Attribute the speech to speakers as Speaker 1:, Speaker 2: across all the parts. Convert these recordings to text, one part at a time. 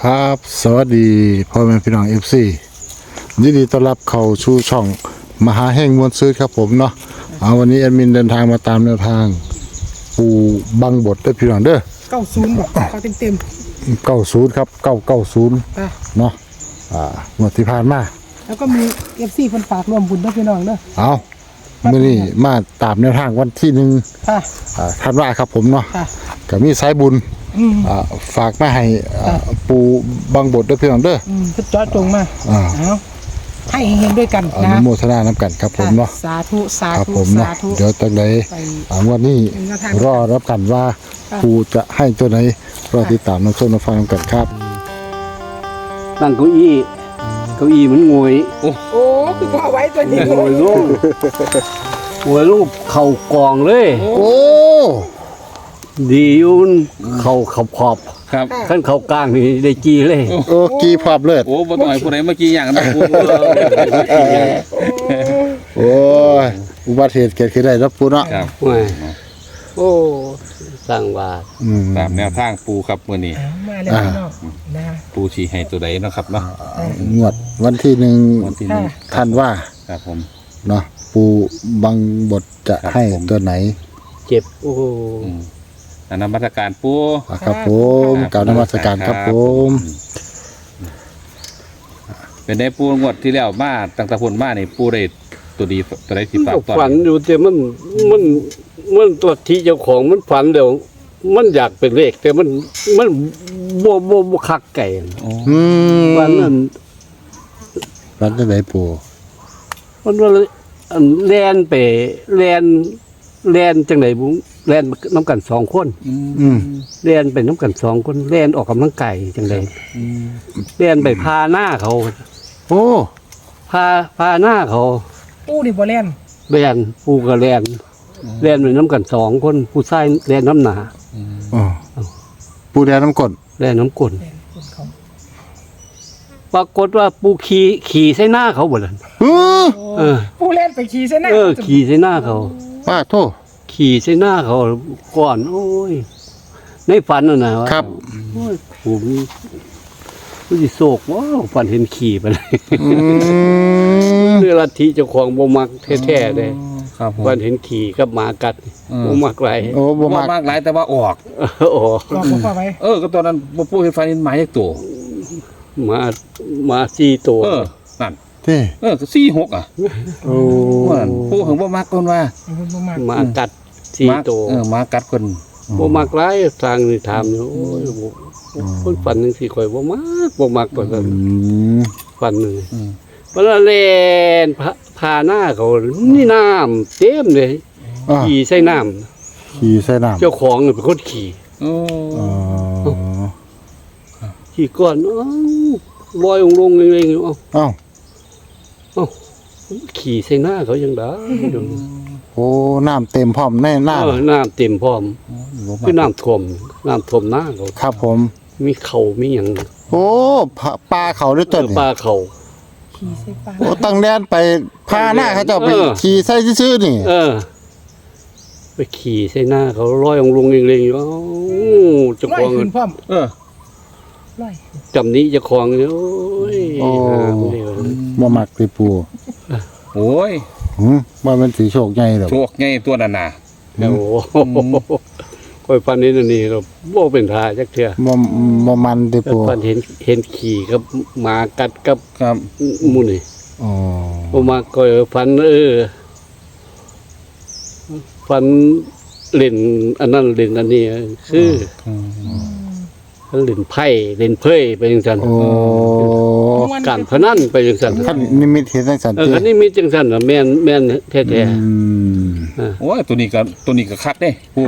Speaker 1: ครับสวัสดีพ่อแม่พี่น้องFC ยินดีต้อนรับเข้าสู่ช่องมหาแห่งมวลซื้อครับผมเนาะวันนี้แอดมินเดินทางมาตามแนวทางปูบังบดด้วยพี่น้องเด้อ
Speaker 2: 90บอกเขาเต็ม
Speaker 1: 90ครับ990เนาะงวดที่ผ่านมา
Speaker 2: แล้วก็มี FC เพิ่นฝากร่วมบุญด้วยพี่น้องเด้อ
Speaker 1: เอามื้อนี้มาตามแนวทางวันที่1ธันวาครับผมเนาะก็มีสายบุญฝากมาให้ปูบังบดด้วยพี่น้องเด้อ
Speaker 2: คือจอจงมาเอาให้เห็นด้วยกันนะ
Speaker 1: อนุโมทนาน้ำกันครับผมเนาะ
Speaker 2: สาธุสาธุสาธุ
Speaker 1: เดี๋ยวตั้งแต่วันนี้รอรับกันว่าปูจะให้ตัวไหนรอติดตามน้ำส้มน้ำฟังกันครับ
Speaker 3: ตั้งเก้าอี้มันงวย
Speaker 2: โอ้คือพ่อไว้ตัวนี้
Speaker 3: งวยลูกเข่ากองเลย
Speaker 1: โอ้
Speaker 3: ดีอยู่เข่าขอบ
Speaker 4: ครับ
Speaker 3: ขั้นเข่ากลางนี่ได้จีเลย
Speaker 1: กีพอบเลย
Speaker 4: โอ้บ่ต้องให้ผู้ใดมากี้อย่างนั้นปู
Speaker 1: โอ้ยอุบัติเหตุเกิดขึ้นได้รับปูเนาะ
Speaker 4: ครับ
Speaker 3: โอ้สร้างบาท
Speaker 4: ตามแนวทางปูครับมื้อนี้
Speaker 2: มาแล้วเนาะนะ
Speaker 4: ปูชี้ให้ตัวใดเนาะครับเนาะ
Speaker 1: งวดวันที่1ธันวา
Speaker 4: ครับผม
Speaker 1: เนาะปูบังบทจะให้ตัวไหน
Speaker 3: เจ็บโอ้
Speaker 4: นมัสการปู
Speaker 1: ครับผมกราบนมัสการครับผม
Speaker 4: เป็นได้ปูงวดที่แล้วมาตั้งแต่พุ่นมานี่ปูได้ตัวดีตัวใดสิฝากต่อ
Speaker 3: ฝันอยู่แต่มันตัวที่เจ้าของมันฝันเดี๋ยวมันอยากเป็นเลขแต่มันบ่คักไก่วันนั้น
Speaker 1: ฝันจังได๋ปู
Speaker 3: มันว่าแล่นไปแล่นจังได๋บุแล่นน้ำกัน2คนแล่นไปน้ำกัน2คนแล่นออกกำลังกายจังได๋แล่นไปพาหน้าเขา
Speaker 1: โอ้
Speaker 3: พาหน้าเขา
Speaker 2: ปูนี่บ่แล่น
Speaker 3: ปูก็แล่นไปน้ำกัน2คนผู้ชายแล่นน้ำหนา
Speaker 1: ปูแล่นน้ำกล
Speaker 3: แล่นน้ำกลปรากฏว่าปูขี่ใส่หน้าเขาบ่ล่ะ
Speaker 2: ปูแล่นไปขี่ใส่หน้า
Speaker 3: ขี่ใส่หน้าเขา
Speaker 1: ป้าโทษ
Speaker 3: ขี่ใส่หน้าเขาก่อนโอ้ยในฝันน่ะนะครับโอ้ยผมสิโศกว้าวฝันเห็นขี่ไปเลยเรื่องลัทธิเจ้าของบ่มักแท้ๆเด้ฝันเห็นขี่กับหมากัดบ่มักหลาย
Speaker 4: บ่มักหลายแต่ว่าออก
Speaker 2: พ่อไว้
Speaker 4: ก็ตอนนั้นบ่ปูเห็นฝันเห็นหมาจักตัว
Speaker 3: มา4ตัว
Speaker 4: นั่นก็4-6
Speaker 1: โอ้
Speaker 4: ปูถึงบ่มักคนว่า
Speaker 3: หมากัด4ตัว
Speaker 4: หมากัดคน
Speaker 3: บ่มักหลายทางนี่ถามอยู่โอ้ยคนฝันจังซี่ข่อยบ่มักปานนั้นฝันนึงเวลาเล่นพาหน้าเขานี่น้ำเต็มเลยขี่ใส่น้ำเจ้าของเป็นคนขี่ขี่ก่อนลอยลงเองขี่ใส่หน้าเขายังได้
Speaker 1: โอ้น้ำเต็มพร้อมแน่น้
Speaker 3: ำเต็มพร้อมคือน้ำท่วมหน้าเขา
Speaker 1: ครับผม
Speaker 3: มีเขามีอย่าง
Speaker 1: โอ้ปลาเขาด้วยต้น
Speaker 3: ปลาเขา
Speaker 2: ขี่ใส่ปลา
Speaker 1: โอ้ตั้งแดนไปพาหน้าเขาจะไปขี่ใส่ซื่อนี่
Speaker 3: ไปขี่ใส่หน้าเขาลอยลงเองอยู่จะคลองเงินจำนี้จะคลองเนี่ยโอ้ย
Speaker 1: บ่มักไปปู
Speaker 4: โอ้ย
Speaker 1: ว่ามันสีโชคใหญ่หรอ
Speaker 4: โชคใหญ่ตัวนั้นน่ะ
Speaker 3: โอ้ค่อยฟันนี้นี่เราบ่เป็นท่าจักเทื่อ
Speaker 1: บ่มันติปู
Speaker 3: ฟันเห็นขี่กับหมากัดกับหมู่นี่บ่มาก็ฟันฟันเล่นอันนั้นเล่นอันนี้คือเล่นไพ่เล่นเพ่ไปจังซั่นการพนันไปจังซั่น
Speaker 1: คันนิมิตเฮ็ดจังซั่น
Speaker 3: คันนิมิตจังซั่นน่ะแม่นแท้
Speaker 4: ๆโอ้ยตัวนี้ก็คัดเด้ปู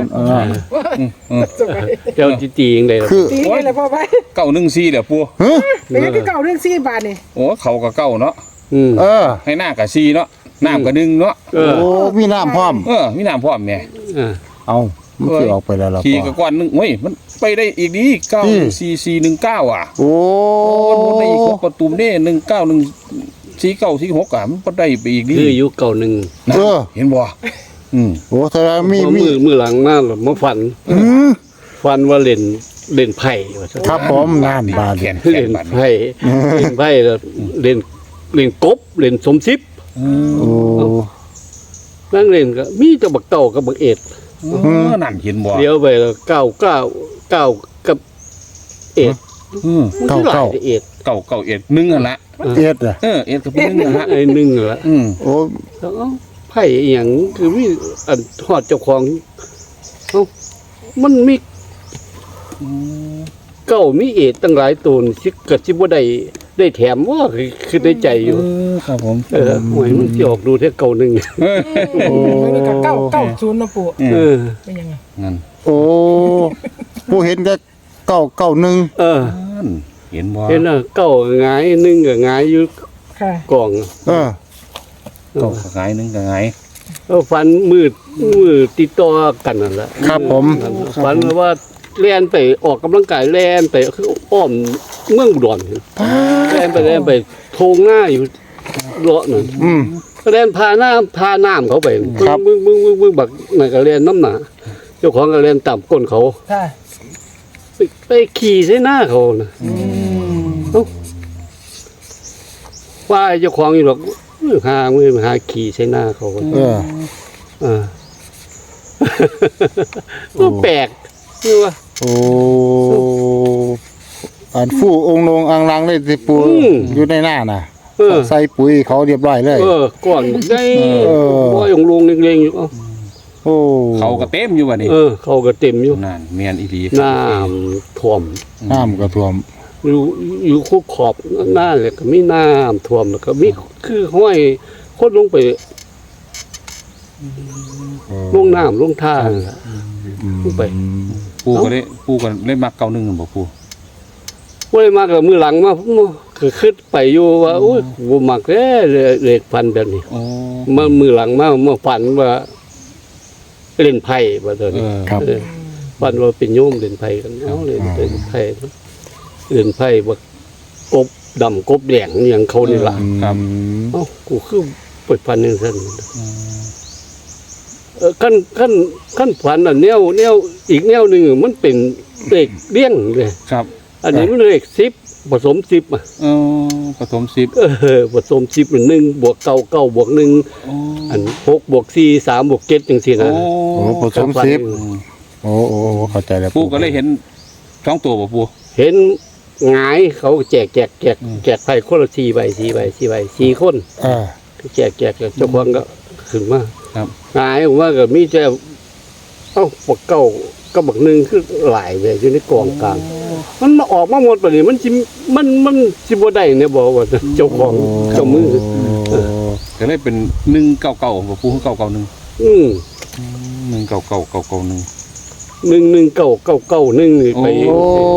Speaker 3: เจ้าจิตีจังได๋ล่ะ
Speaker 2: ตีอะไรพ่อไป
Speaker 4: 914แหละปู
Speaker 2: เป็นคือ914บาทนี่
Speaker 4: โอ้เขาก็เก้าเนาะให้หน้าก็4เนาะน้ำก็1เนาะ
Speaker 1: โอ้มีน้ำพร้อม
Speaker 4: มีน้ำพร้อมแน่
Speaker 1: เอามันสิออกไปแล้วล่ะ
Speaker 4: ขี่ก็ก้อนนึงโอ้ยมันไปได้อีกดี94419โอ้มันได้อีก6ประตูนี่1914946มันบ่ได้ไปอีกดี
Speaker 3: คืออยู่91
Speaker 4: เห็นบ่
Speaker 1: โอ้แสดงมี
Speaker 3: มือหลังมามาฝันว่าเล่นเล่นไพ่ว่าซั่น
Speaker 1: ครับผมงานบาด
Speaker 4: แข
Speaker 1: เนี่ย
Speaker 4: นแขน
Speaker 3: เล่น
Speaker 4: บัดนี้
Speaker 3: ไพ่เล่นไพ่แล้วเล่นกบเล่นสมชิบ
Speaker 1: โอ้
Speaker 3: นั่งเล่นก็มีแต่บักเต่ากับบักเอ็ด
Speaker 4: นั่นเห็นบ่
Speaker 3: เลี้ยวไปแล้วเก้ากับเอ็ด
Speaker 1: เก้า
Speaker 3: เอ็ด
Speaker 4: เก่าเอ็ดหนึ่งอ่ะละ
Speaker 1: เอ็ดอ่ะ
Speaker 4: เอ็ดกับหนึ่งอ่ะละ
Speaker 3: ไอ้หนึ่งละ
Speaker 1: โอ้
Speaker 3: แล้วเอ้าไพ่อหย่างคือมีอันทอดเจ้าของเอ้ามันมีเก้ามีเอ็ดตั้งหลายตัวนี่สิกะสิบ่ได้แถมว่าคือในใจอยู่
Speaker 4: ครับผม
Speaker 3: หวยมันสิออกดูแค่เก่าหนึ่ง
Speaker 2: มันมีกับ990นะปู่
Speaker 3: เออ
Speaker 2: เป็นยังไง
Speaker 4: นั่น
Speaker 1: โอ้ผู้เห็นก็991
Speaker 3: เออ
Speaker 4: เห็นบ่
Speaker 3: เห็นน่ะเก้าหงายหนึ่งก็หงายอยู่
Speaker 2: ค่ะ
Speaker 3: กล่อง
Speaker 1: เออ
Speaker 4: เก่าหงายหนึ่งก็หงาย
Speaker 3: ฟันมืดติดต่อกันนั่นแหละ
Speaker 1: ครับผม
Speaker 3: ฟันว่าแล่นไปออกกำลังกายแล่นไปคืออ้อมเมืองอุดรแล่นไปโทงหน้าอยู่เลาะนั่น
Speaker 1: อืม
Speaker 3: ก็แล่นพาน้ำเขาไป
Speaker 1: ครับ
Speaker 3: มึงบักนั่นก็แล่นน้ำหนาเจ้าของก็แล่นต่ำก้นเขา
Speaker 2: ค่ะ
Speaker 3: ไปขี่ใส่หน้าเขานะว่าไอ้เจ้าของอยู่หรอกมือหาขี่ใส่หน้าเขา
Speaker 1: เออ
Speaker 3: ก็แปลกนี่ว่า
Speaker 1: โอ้อันฟู่องค์ลงอังลังเลยสิปู
Speaker 3: อืม
Speaker 1: อยู่ในหน้าน่ะ
Speaker 3: เออ
Speaker 1: ใส่ปุ๋ยเขาเรียบร้อยเลย
Speaker 3: ก่อนได้
Speaker 1: เออ
Speaker 3: บ่อยลงเล็งๆอยู่เอ้า
Speaker 1: โอ้
Speaker 4: เขาก็เต็มอยู่ว่ะนี่
Speaker 3: เขาก็เต็มอยู่
Speaker 4: นั่นเมียนอีหลี
Speaker 3: น้ำท่วม
Speaker 1: น้ำก็ท่วม
Speaker 3: อยู่คู่ขอบหน้าเลยก็มีน้ำท่วมแล้วก็มีคือห้อยคนลงไปลงน้ำลงท่านั่นล่ะลงไป
Speaker 4: ปูก็ได้มักเก่าหนึ่งบ่ปู
Speaker 3: บ่ได้มากกับมือหลังมาก็คิดไปอยู่ว่าโอ้ยบ่มักแท้เลขพันแบบนี้
Speaker 4: โอ้
Speaker 3: มามือหลังมาฝันว่าเล่นไพ่ว่าตอนนี้
Speaker 1: ครับ
Speaker 3: ฝันว่าเป็นโยมเล่นไพ่กันเอาเล่นไพ่เล่นไพ่ว่ากบดำกบแดงอหย่างเขานี่ล่ะ
Speaker 4: ครับ
Speaker 3: เอ้ากูคือเปิดพันนึงซั่นขั้นฝันน่ะแนวอีกแนวหนึงมันเป็นเลขเลี้ยงเลย
Speaker 4: ครับ
Speaker 3: อันนี้มันเลข10ผสม10อ่ะ
Speaker 4: ผสม10
Speaker 3: ผสม10เป็น1บวก9 9บวก1
Speaker 4: โอ้
Speaker 3: อัน6บวก4 3บวก7จังซี่นะ
Speaker 1: โอ้ผสมสิบโอ้เข้าใจแล้ว
Speaker 4: ปูก็เลยเห็นท้องตัวบ่ปู
Speaker 3: เห็นหงายเขาแจกไพ่คนละ4ใบ4คน
Speaker 1: อ่า
Speaker 3: แจกเจ้าของก็ขึ้นมา
Speaker 4: ครับ
Speaker 3: หงายผมว่าก็มีแต่บักเก้าก็บักหนึ่งคือหลายเลยอยู่ในกองกลางมันมาออกมาหมดปะนี่มันสิบ่ได้เนี่ยบอกว่าเจ้าของเจ้ามือ
Speaker 4: ก็เลยเป็น199บ่ปู991
Speaker 3: อืม
Speaker 4: 199
Speaker 3: 11991นี่ไป
Speaker 4: โอ้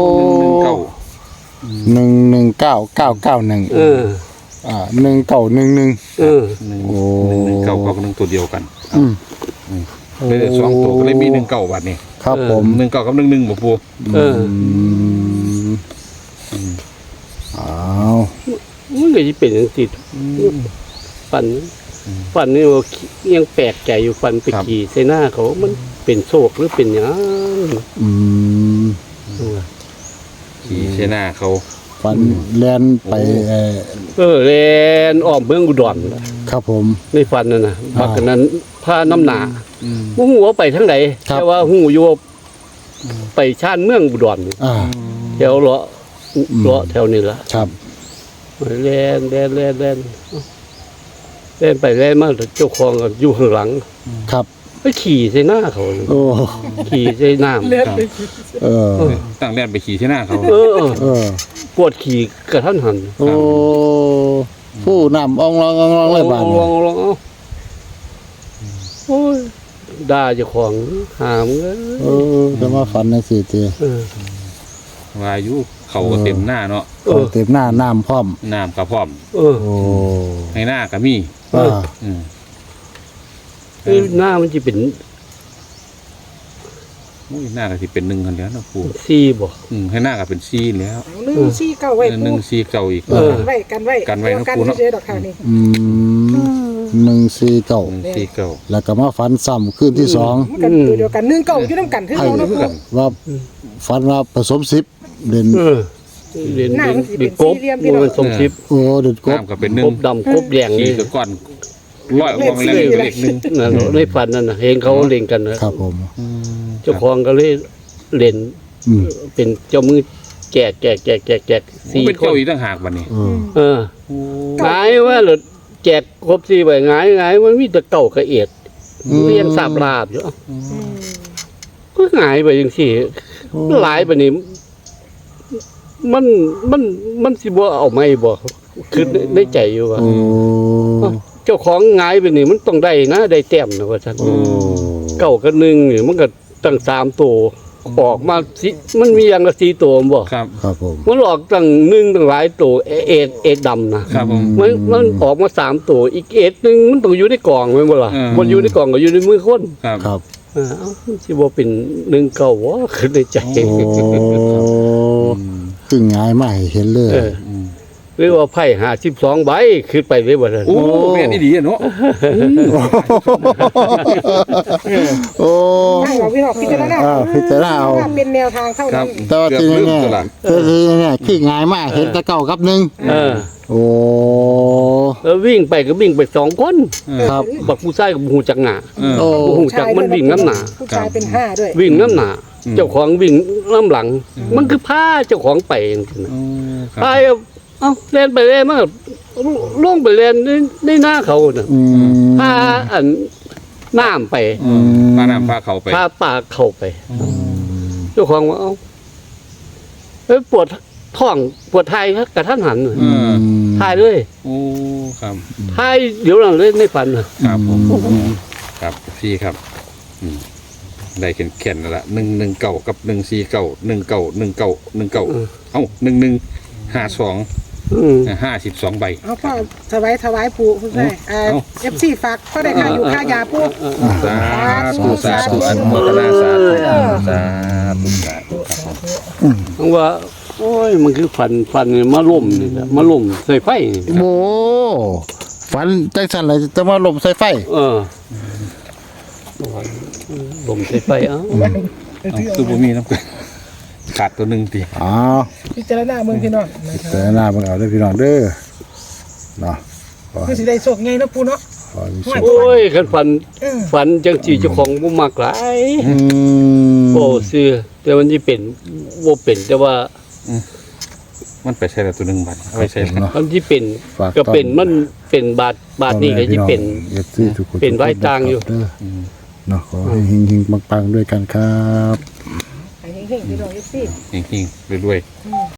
Speaker 1: 119 991
Speaker 3: เออ
Speaker 1: 1911
Speaker 3: เออ
Speaker 4: 199ตัวเดียวกัน
Speaker 1: อืม
Speaker 4: เลยได้2ตัวก็เลยมี19บาทนี่
Speaker 1: ครับผม
Speaker 4: 19กับ11บ่ปู
Speaker 3: เออ
Speaker 1: อ้าว
Speaker 3: มันก็สิเป็นจังซี่ฟันนี่ว่ายังแปลกใจอยู่ฟันไปขี่ใส่หน้าเขามันเป็นโศกหรือเป็นหยัง
Speaker 1: อืม
Speaker 4: ขี่เสหน้าเขา
Speaker 1: ฟันแลนไป
Speaker 3: แลนอ้อมเมืองอุดร
Speaker 1: ครับผม
Speaker 3: ในฟันนั่นน่ะบักนั้นผ้าน้ำหนา
Speaker 4: อืม
Speaker 3: บ่ฮู้ว่าไปทางใด
Speaker 1: ครับ
Speaker 3: แต่ว่าฮู้อยู่ว่าไปชานเมืองอุดร
Speaker 1: อ่า
Speaker 3: แถวเลาะแถวนี้ล่ะ
Speaker 1: ครับ
Speaker 3: แล่นไปแล่นมาเจ้าของก็อยู่ข้างหลัง
Speaker 1: ครับ
Speaker 3: ไปขี่ใส่หน้าเขา
Speaker 1: โอ้
Speaker 3: ขี่ใส่น้ำ
Speaker 2: เลือดไป
Speaker 1: เออ
Speaker 4: ตั้งแล่นไปขี่เสหน้าเขา
Speaker 3: เออ
Speaker 1: เออ
Speaker 3: ปวดขี่กระทันหัน
Speaker 1: โอ้ผู้นำอ่องลองเลยบาด
Speaker 3: ล
Speaker 1: นี้
Speaker 3: องเอาโอ้ยด่าเจ้าของหามเอ้ย
Speaker 1: เออจะมาฝันในสี่ที
Speaker 3: เออ
Speaker 4: วายุเขาก็เต็มหน้าเนาะ
Speaker 1: เอาเต็มหน้าน้ำพร้อม
Speaker 4: น้ำก็พร้อม
Speaker 3: เออ
Speaker 1: โอ้
Speaker 4: ให้หน้าก็มี
Speaker 1: อ่า
Speaker 4: อืม
Speaker 3: หน้ามันจะเป็น
Speaker 4: อุ้ยหน้าก็สิเป็น1กันแล้วนะปู่
Speaker 3: ซีบ่
Speaker 4: ให้หน้าก็เป็น4แล้ว
Speaker 2: 149ไว้ปู
Speaker 4: 149อีก
Speaker 2: กันไว้
Speaker 4: กันไว้นะ
Speaker 2: กัน
Speaker 4: ปูเนาะ
Speaker 2: เฉยๆดอกค่ะนี่
Speaker 1: 149
Speaker 4: 149
Speaker 1: แล้วก็มาฝันซ้ำคืนที่สอง
Speaker 2: มันกันตัวเดียวกัน19อยู่นำกันคือเราเนาะปู
Speaker 1: ว่าฝันว่าผสมสิบเด่น
Speaker 3: เรียน
Speaker 2: หน้ามันสิ
Speaker 3: เรี
Speaker 2: เป็
Speaker 3: ยน
Speaker 2: น
Speaker 3: กบ
Speaker 2: สี่เหลี่ยมพี่น้อง
Speaker 3: มันสมชิป
Speaker 1: โอ้เด่นกบ
Speaker 4: น้ำก็เป็นหนึ่
Speaker 3: ก
Speaker 4: ง
Speaker 3: บดำกบแดง
Speaker 4: ขี่
Speaker 3: นี่
Speaker 4: ก็ก้อนร้อยออกมาแล้วอยู่เลขหนึ่ง
Speaker 3: นั่นในฝันนั่นน่ะเห็นเขาเล่นกันนะครับ
Speaker 1: ผม
Speaker 3: เจ้าของก็เลยเล่น
Speaker 1: อืม
Speaker 3: เป็นเจ้ามือแจกสี่
Speaker 4: เป็น
Speaker 3: ค
Speaker 4: เจ้าน อีกต่างหากวันนี้
Speaker 1: เออ
Speaker 3: หงายว่าหรือแจกครบสี่ใบหงายมันมีแต่เก่ากระเอียดเรียงสาบลาบอยู่ก็หงายไปอย่างสี่หลายไปนี่มันสิบ่เอาไม่บ่คือในใจอยู่ว่า
Speaker 1: โอ้
Speaker 3: เจ้าของหงายไปนี่มันต้องได้นะได้แต้มนะว่าซั่น
Speaker 1: โอ้
Speaker 3: เก่ากับหนึ่งนี่มันก็ตั้ง3ตัวออกมาสิมันมีอย่างละ4ตัวบ่
Speaker 4: ครับ
Speaker 1: ครับผม
Speaker 3: มันออกตั้ง1ตั้งหลายตัวเอดำนะครับ
Speaker 4: ผม
Speaker 3: มันออกมา3ตัวอีกเอดหนึงมันต้องอยู่ในกล่องแม่นบ่ล่ะ
Speaker 4: อืม
Speaker 3: มันอยู่ในกล่องก็อยู่ในมือคน
Speaker 4: ครับ
Speaker 1: ครับ
Speaker 3: เอ้ามันสิบ่เป็น1เก่าวะคือในใจ
Speaker 1: โอ้คือง่ายมากเห็นเลย
Speaker 3: เออหรือว่าไพ่52ใบขึ้นไปเลยบ่ซั่น
Speaker 4: โอ้แม่นอี่ดีอะเนาะ
Speaker 1: โอ้
Speaker 2: ให้เราพี่น้องพิจารณา
Speaker 1: พิจารณาเอา
Speaker 2: เป็นแนวทางเท่า
Speaker 4: ครั
Speaker 2: นั้
Speaker 4: บ
Speaker 2: น
Speaker 1: แต่ว่า
Speaker 4: เกือบ
Speaker 1: ที่
Speaker 4: ลืม
Speaker 1: แน่
Speaker 4: ตัวละ
Speaker 1: ๆแต่ที่แน่ๆคือง่ายมากเห็นแต่เก่ากับหนึ่ง
Speaker 3: เออ
Speaker 1: โอ้
Speaker 3: แล้ววิ่งไปก็วิ่งไป2คน
Speaker 1: ครับ
Speaker 3: บักผู้ชายกับหูจักหน้า
Speaker 1: โอ้
Speaker 3: บ่ฮู้จักมันวิ่งน้ำหนา
Speaker 2: ผู้ชายเป็นห้าด้วย
Speaker 3: วิ่งน้ำหนาเจ้าของวิ่งน้ำหลัง มันคือพาเจ้าของไปจังซี่นะ
Speaker 4: ครับ
Speaker 3: ไปเอ้าเล่นไปเล่นมาล่วงไปเล่นในหน้าเขาน่ะ
Speaker 1: อืม
Speaker 3: พาอันน้ำไป
Speaker 4: ปลาน้ำปลาเขาไป
Speaker 3: พาปลาเข้าไป เจ้าของว่าเอ้าเอ้ยปวดท้องปวดไทายครับกระทันหันน่ะ
Speaker 4: อืม
Speaker 3: ทายเลย
Speaker 4: โอ้ครับ
Speaker 3: ทายเดี๋ยวนั้นเลยในฝันน่ะ
Speaker 4: ครับผมครับพี่ครับได้เขียนแล้วละ119กับ149 19191เอ้า1152
Speaker 3: อืม
Speaker 4: 52ใบ
Speaker 2: เอาพ่อถวายปู่คุณชายเอฟซีฝากพ่อได้ค่าอยู่ค่ายาปู่
Speaker 4: สาธุสาธุอนุโมทนาสาธุสาธุสาธุครับผม
Speaker 3: เพราะว่า โอ้ยมันคือฝันนี่มาล่มนี่แหละมาล่มใส่ไฟนี่
Speaker 1: โอ้ฝันจังสันเลยจะมาหลบใส่ไฟ
Speaker 3: ล่มใส่ไฟเอ้า
Speaker 4: คือบ่มีน้ำกันขาดตัวหนึ่งตี
Speaker 1: อ๋อ
Speaker 2: พิจารณาเมืองพี่น้องนะค
Speaker 1: แต่
Speaker 2: รับ
Speaker 1: หน้าเบิ่งเอาเด้อพี่น้องเด้อเนาะขอ
Speaker 2: คือสิได้โชคไงนะปู่เนาะ
Speaker 1: ขอมีโชค
Speaker 3: โอ้ยคันฝัน
Speaker 2: เออ
Speaker 3: ฝันจังสิเจ้าของบ่มักหลาย
Speaker 1: อืม
Speaker 3: โอ้ซื่อแต่มันสิเป็นบ่เป็นแต่ว่า
Speaker 4: มันไปใช้แล้วตัวหนึ่งบาทเอาไปใช้
Speaker 1: เนาะ
Speaker 3: มันสิเป็น
Speaker 1: ฝาก
Speaker 3: ก็เป็นมันเป็นบาทนี้ก็สิเป็น
Speaker 1: เอฟซีทุกคน
Speaker 3: เป็นไว้ต่างอยู่
Speaker 1: เด้อเนาะขอให้เฮงๆปังๆด้วยกันครับ
Speaker 2: ให้เฮงๆพี่น้องเอฟซี
Speaker 4: จริงๆรวยๆ